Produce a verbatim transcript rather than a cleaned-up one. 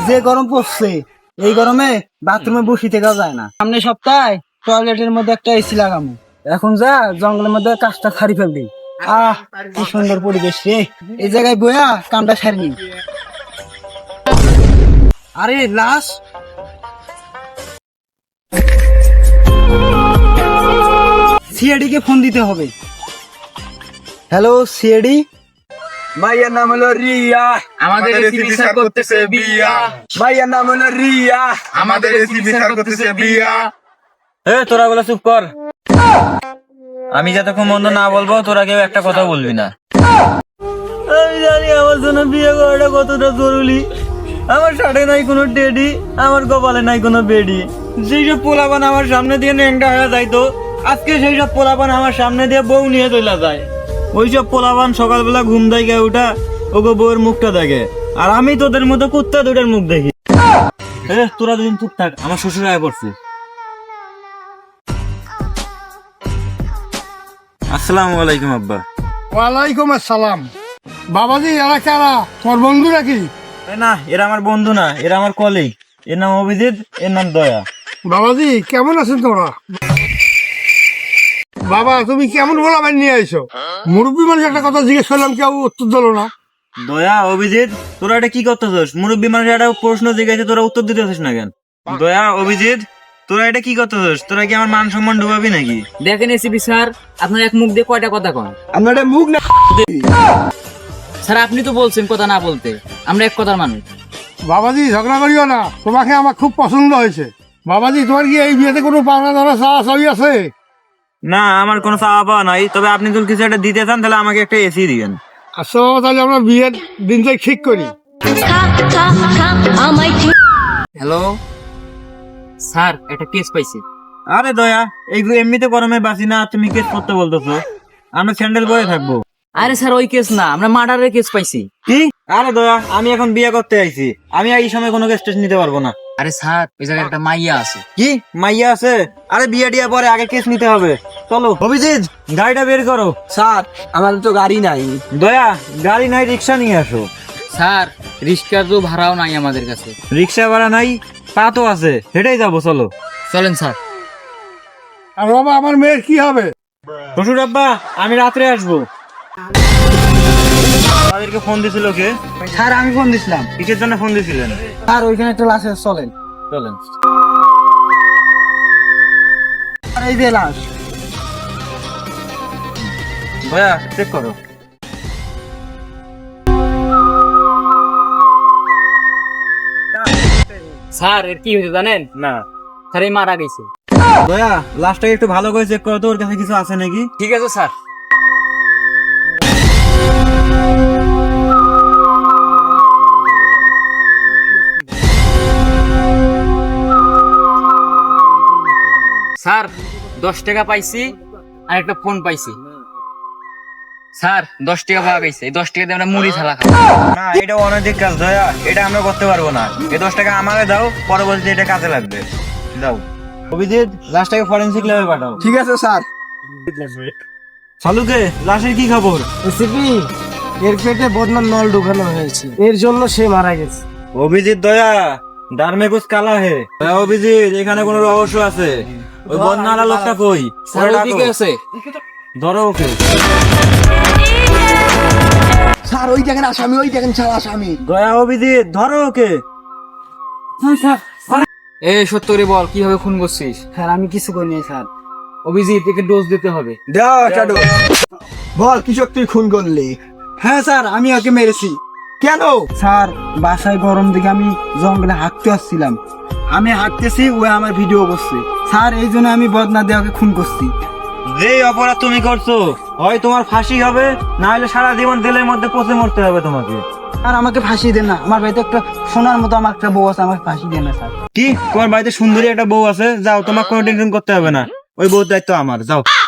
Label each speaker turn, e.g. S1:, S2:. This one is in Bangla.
S1: যে গরম পড়ছে এই গরমে বাথরুমে বসে থেকেও যায় না। সামনে সপ্তাহে টয়লেটের মধ্যে একটা এসি লাগামু। এখন যা জঙ্গলের মধ্যে কাজটা সারি ফেলবি। আহ কি সুন্দর পরিবেশ রে, এই জায়গায় বইয়া কামটা সারি। আরে লাশ, সিআইডি কে ফোন দিতে হবে। হ্যালো সিআইডি,
S2: ভাইয়ার নাম হলো রিয়া, আমাদের রেসিপি স্যার করতেছে বিয়া। ভাইয়ার নাম হলো রিয়া, আমাদের রেসিপি স্যার করতেছে বিয়া।
S3: এ তোরা বলে চুপ কর, আমি যতক্ষণ বন্ধ না বলবো তোরা কেউ একটা কথা বলবি না। আমি জানি আমার জন্য বিয়ে করাটা কতটা জরুরি। আমার সাথে নাই কোনো টেডি, আমার কপালে নাই কোনো বেডি। সেই সব পোলাপান আমার সামনে দিয়ে ন্যাংটা হয়ে যাইতো, আজকে সেই সব পোলাপান আমার সামনে দিয়ে বউ নিয়ে চলে যায়। ওইসব পোলাপান সকালবেলা ঘুম থেকে উঠা ওগো বউয়ের মুখটা দেখে, আর আমি তোদের মতো কুত্তা দুটার মুখ দেখি। এ তোরা দুদিন চুপ থাক, আমার শ্বশুর আয় পড়ছে। আসসালামু আলাইকুম আব্বা।
S4: ওয়ালাইকুম আসসালাম। বাবাজি এরা কারা, তোর বন্ধু নাকি?
S3: এ না, এরা আমার বন্ধু না, এরা আমার কলিগ। এর নাম অভিজিৎ, এর নাম দয়া।
S4: বাবাজি কেমন আছেন তোরা? বাবা তুমি কেমন বলাবেন নিয়ে আইছো? মুরব্বী মানুষ একটা কথা জিজ্ঞেস করলাম, কেউ উত্তর দিল না।
S3: দয়া অভিজিৎ, তোরা এটা কি করতেছিস? মুরব্বী মানুষ একটা প্রশ্ন জিজ্ঞাসা তোরা উত্তর দিতেছিস না কেন? দয়া অভিজিৎ, তোরা এটা কি করতেছিস? তোরা কি আমার মান সম্মান ডুবাবি নাকি?
S5: দেখেন এসিপি স্যার, আপনার এক মুখ দিয়ে কয়টা কথা কন?
S1: আমরা এটা মুখ না।
S5: স্যার আপনি তো বলছেন কথা না বলতে, আমরা এক কথার মানুষ।
S4: বাবাজি ঝগড়া করিও না, তোমাকে আমার খুব পছন্দ হয়েছে। বাবাজি তোমার কি এই বিয়েতে কোনো পাওনা ধরা চাওয়া চাবি আছে?
S3: না, আমার কোনো চাওয়া পাওয়া নাই, তবে আপনি যদি কিছু একটা দিতে চান তাহলে আমাকে একটা এসি দিবেন।
S4: আচ্ছা বাবা, তাহলে আমরা বিয়ের দিনটাই ঠিক করি।
S5: হ্যালো স্যার, একটা কেস পাইছি।
S3: আরে দয়া, এইগুলো এমনিতে গরমে বাঁচি না, তুমি কেস করতে বলতেছো? আমরা স্যান্ডেল পরে থাকবো।
S5: আরে স্যার ওই কেস না, আমরা মার্ডারের কেস পাইছি।
S3: কি? আরে দয়া, আমি এখন বিয়ে করতে আইছি, আমি এই সময় কোনো কেস টেস নিতে পারবো না।
S5: আরে স্যার ওই জায়গায় একটা মাইয়া আছে।
S3: কি মাইয়া আছে? আরে বিয়ে টিয়া পরে, আগে কেস নিতে হবে। চলো অভিজিৎ, গাড়িটা বের করো।
S1: স্যার আমাদের তো গাড়ি নাই।
S3: দয়া, গাড়ি নাই, রিক্সা নিয়ে আসো।
S5: স্যার রিক্সার তো ভাড়াও নাই আমাদের কাছে।
S3: রিক্সা ভাড়া নাই? পা তো আছে, হেঁটেই যাবো, চলো।
S5: চলেন স্যার।
S4: আর বাবা আমার মেয়ের কি হবে?
S3: শ্বশুর আব্বা, আমি রাত্রে আসবো। তাদেরকে ফোন দিছিল কে?
S1: স্যার আমি ফোন দিছিলাম।
S3: কিসের জন্য ফোন দিছিলেন?
S1: স্যার ওইখানে একটা লাশ আছে, চলেন।
S3: চলেন।
S1: আর এই যে লাশ।
S3: দয়া চেক করো।
S5: স্যার এর কি হয়েছে জানেন?
S3: না।
S5: স্যার এই মারা গেছে।
S3: দয়া, লাস্টটাকে একটু ভালো করে চেক করো তো, ওর কাছে কিছু আছে নাকি।
S5: ঠিক আছে স্যার। স্যার দশ টাকা পাইছি আর একটা ফোন পাইছি। স্যার দশ টাকা পাওয়া গেছে, এই দশ টাকা দিয়ে আমরা মুড়ি ছালা খাবো।
S3: না, এটা অনৈতিক কাজ দয়া, এটা আমরা করতে পারবো না। এই দশ টাকা আমাকে দাও, পরবর্তীতে এটা কাজে লাগবে। দাও অভিজিৎ, লাশটাকে ফরেনসিক ল্যাবে পাঠাও।
S1: ঠিক আছে স্যার।
S3: সালুকে, লাশের কি খবর?
S1: এসিপি এর পেটে বদনাম নল ঢুকানো হয়েছে, এর জন্য সে মারা গেছে।
S3: অভিজিৎ দয়া, ডারমে কুছ কালা হে। দয়া অভিজিৎ, এখানে কোনো রহস্য আছে। ওই বদনালা লোকটা কই?
S5: স্যার ওইদিকে আছে।
S3: ধরো ওকে।
S1: স্যার ওই দেখেন আসামি, ওই দেখেন স্যার আসামি।
S3: দয়া অভিজিৎ, ধরো ওকে।
S5: এ সত্য করে বল, কিভাবে খুন করছিস?
S1: স্যার আমি কিছু করিনি স্যার।
S5: অভিজিৎ একে ডোজ দিতে হবে।
S1: বল কৃষক তুই খুন করলি? হ্যাঁ স্যার আমি ওকে মেরেছি। কেন? স্যার বাসায় গরম দেখে আমি জঙ্গলে হাঁটতে আসছিলাম, আমি হাঁটতেছি, ও আমার ভিডিও করছে স্যার, এই জন্য আমি বদনা দিয়ে ওকে খুন করছি।
S3: যে অপরাধ তুমি করছো, হয় তোমার ফাঁসি হবে, না হলে সারা জীবন জেলের মধ্যে পচে মরতে হবে তোমাকে।
S1: আর আমাকে ফাঁসি দেন না, আমার বাড়িতে একটা সোনার মতো আমার একটা বউ আছে, আমাকে ফাঁসি দেন না স্যার।
S3: কি তোমার বাড়িতে সুন্দরী একটা বউ আছে? যাও, তোমার কোনো টেনশন করতে হবে না, ওই বউর দায়িত্ব আমার, যাও।